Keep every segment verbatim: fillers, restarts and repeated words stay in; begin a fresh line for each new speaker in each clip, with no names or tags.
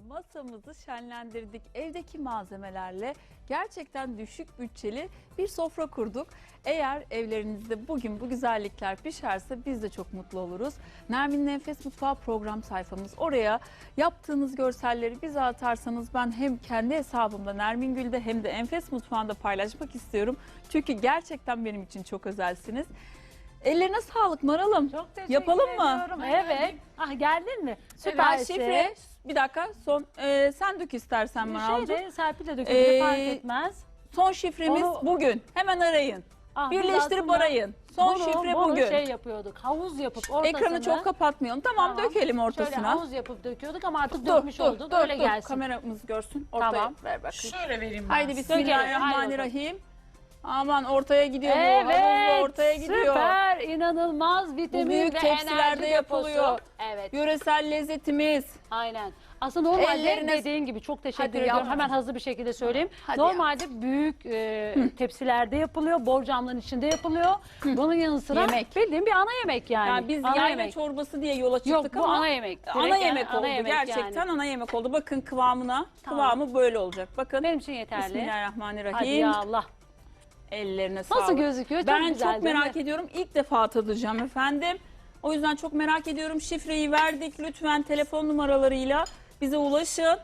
masamızı şenlendirdik. Evdeki malzemelerle gerçekten düşük bütçeli bir sofra kurduk. Eğer evlerinizde bugün bu güzellikler pişerse biz de çok mutlu oluruz. Nermin'in Enfes Mutfağı program sayfamız. Oraya yaptığınız görselleri bize atarsanız ben hem kendi hesabımda Nermin Gül'de hem de Enfes Mutfağı'nda paylaşmak istiyorum. Çünkü gerçekten benim için çok özelsiniz. Ellerine sağlık Maralım.
Çok teşekkür
Yapalım mı?
ediyorum. Evet. Ah geldin mi?
Ben
Süpersin.
şifre, bir dakika son e, sen dök istersen Maral'cığım.
Şeyde Serpil de dökebilir,
Ee,
fark etmez.
Son şifremiz
Onu-
bugün. Hemen arayın.
Ah, biz
Birleştirip
aslında
arayın. Son
bunu-
şifre
bunu
bugün.
şey yapıyorduk, havuz yapıp ortasını.
Ekranı çok kapatmayalım. Tamam,
Tamam.
dökelim
Şöyle
ortasına.
havuz yapıp döküyorduk ama artık
Dur,
dökmüş
dur,
olduk.
dur,
Öyle
dur.
gelsin.
Kameramız görsün. Ortaya
Tamam.
ver bakayım.
Şöyle vereyim ben.
Haydi bismillahirrahmanirrahim. Aman ortaya gidiyor bu.
Evet,
Havuzlu ortaya gidiyor.
süper, inanılmaz vitamin
büyük
ve
tepsilerde
enerji
yapılıyor.
deposu. Evet,
Yöresel lezzetimiz.
aynen. Aslında normalde
Ellerine-
dediğin gibi çok teşekkür
Hadi
ediyorum.
yavrum.
Hemen hızlı bir şekilde söyleyeyim.
Hadi
Normalde büyük e, tepsilerde yapılıyor, borcamların içinde yapılıyor. Bunun yanı sıra
Yemek.
bildiğin bir ana yemek yani.
Yani biz
ana
yayla
yemek.
çorbası diye yola çıktık
Yok, bu
ama
ana yemek.
ana
Direkt
yemek
ana
oldu.
yemek
Gerçekten
yani.
ana yemek oldu. Bakın kıvamına.
Tamam.
Kıvamı böyle olacak. Bakın.
Benim için yeterli. Hadi
Bismillahirrahmanirrahim.
ya Allah.
Ellerine sağlık.
Nasıl gözüküyor? Çok
Ben
güzel,
çok
değil
merak
mi?
ediyorum. İlk defa tadacağım efendim. O yüzden çok merak ediyorum. Şifreyi verdik. Lütfen telefon numaralarıyla bize ulaşın.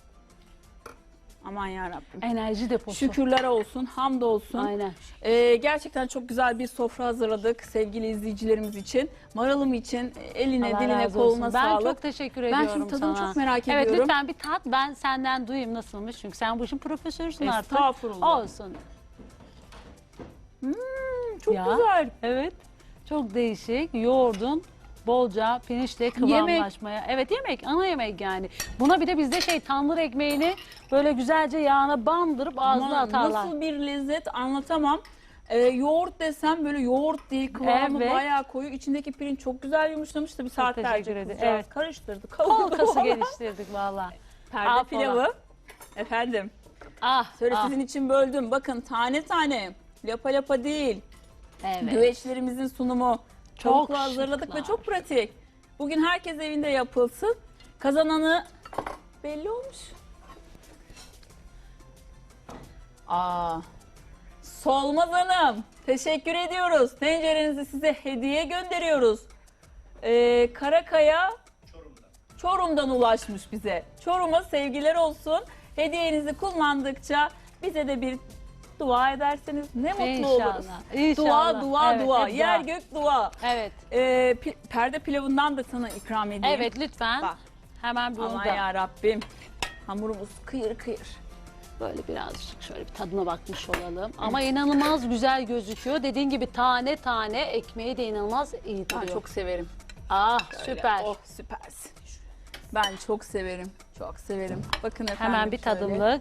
Aman yarabbim.
Enerji deposu.
Şükürler olsun, hamdolsun.
Aynen.
Ee, gerçekten çok güzel bir sofra hazırladık sevgili izleyicilerimiz için. Maralım için eline,
Allah
diline,
razı
koluna
olsun. Ben
sağlık.
çok teşekkür
Ben
ediyorum
şimdi tadını
sana.
çok merak
Evet,
ediyorum.
lütfen bir tat. Ben senden duyayım nasılmış. Çünkü sen bu işin profesörüsün artık.
Estağfurullah.
Olsun.
Hmm, çok
Ya.
güzel.
Evet. Çok değişik. Yoğurdun bolca pirinçle kıvamlaşmaya. Evet, yemek, ana yemek yani. Buna bir de bizde şey tandır ekmeğini böyle güzelce yağına bandırıp ağzına
Aman,
atarlar.
nasıl bir lezzet anlatamam. Ee, yoğurt desem böyle yoğurt değil, kıvamı
Evet.
bayağı koyu. İçindeki pirinç çok güzel yumuşamış. Tabii saatlerce
teşekkür ederim.
kızcağız
Evet.
karıştırdı.
Kol
kavurdu
kası
falan.
geliştirdik valla.
Perde
Affola.
pilavı. Efendim.
Ah,
Şöyle
ah.
sizin için böldüm. Bakın tane tane. Lapa lapa değil.
Evet.
Güveçlerimizin sunumu.
Çok
Tavukla hazırladık
şıklar.
ve çok pratik. Bugün herkes evinde yapılsın. Kazananı belli olmuş. Aa, Solmaz Hanım, teşekkür ediyoruz. Tencerenizi size hediye gönderiyoruz. Ee, Karakaya Çorum'dan. Çorum'dan ulaşmış bize. Çorum'a sevgiler olsun. Hediyenizi kullandıkça bize de bir dua ederseniz ne mutlu
İnşallah,
oluruz.
inşallah.
Dua, dua,
Evet,
dua.
hep dua.
Yer gök dua.
Evet.
Ee, pi- perde pilavından da sana ikram edeyim.
Evet, lütfen.
Bak.
Hemen bunu
Aman
da
ya Rabbim. Hamurumuz kıyır kıyır.
böyle birazcık şöyle bir tadına bakmış olalım. Ama inanılmaz güzel gözüküyor. Dediğin gibi tane tane ekmeği de inanılmaz iyi
Ben
duruyor.
çok severim.
Ah,
Öyle.
süper.
Oh süpersin. Ben çok severim. Çok severim. Bakın efendim.
Hemen bir
şöyle.
tadımlık.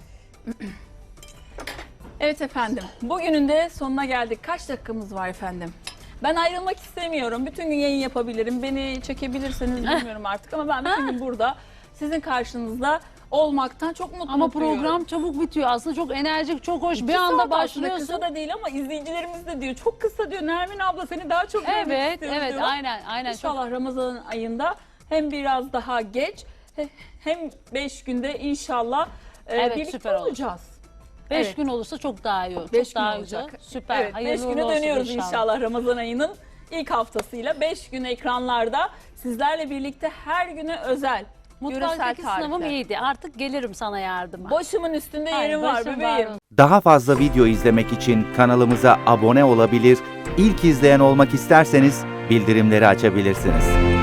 Evet efendim. Bugünün de sonuna geldik. Kaç dakikamız var efendim? Ben ayrılmak istemiyorum. Bütün gün yayın yapabilirim. Beni çekebilirseniz bilmiyorum artık ama ben bütün gün burada sizin karşınızda olmaktan çok mutluyum.
Ama program çabuk bitiyor. Aslında çok enerjik, çok hoş. Bir
İki
anda
saat aslında,
başlıyorsun.
kısa da değil ama izleyicilerimiz de diyor. Çok kısa diyor. Nermin abla seni daha çok görmek
Evet,
istiyoruz
evet,
diyor.
aynen, aynen. Çok
İnşallah Ramazan ayında hem biraz daha geç hem beş günde inşallah e,
Evet,
birlikte
süper olur.
olacağız.
beş
evet.
gün olursa çok daha iyi olur.
Beş
Çok
gün
daha
olacak.
güzel. Süper.
Evet,
Hayırlı
beş
uğurlu
güne
olsun
dönüyoruz inşallah. Ramazan ayının ilk haftasıyla. beş gün ekranlarda sizlerle birlikte her güne özel yöresel
Mutfaktaki sınavım
tarifler.
iyiydi. Artık gelirim sana yardıma.
Başımın üstünde
Ay,
yerim var
başım
bebeğim.
var.
Daha fazla video izlemek için kanalımıza abone olabilir, ilk izleyen olmak isterseniz bildirimleri açabilirsiniz.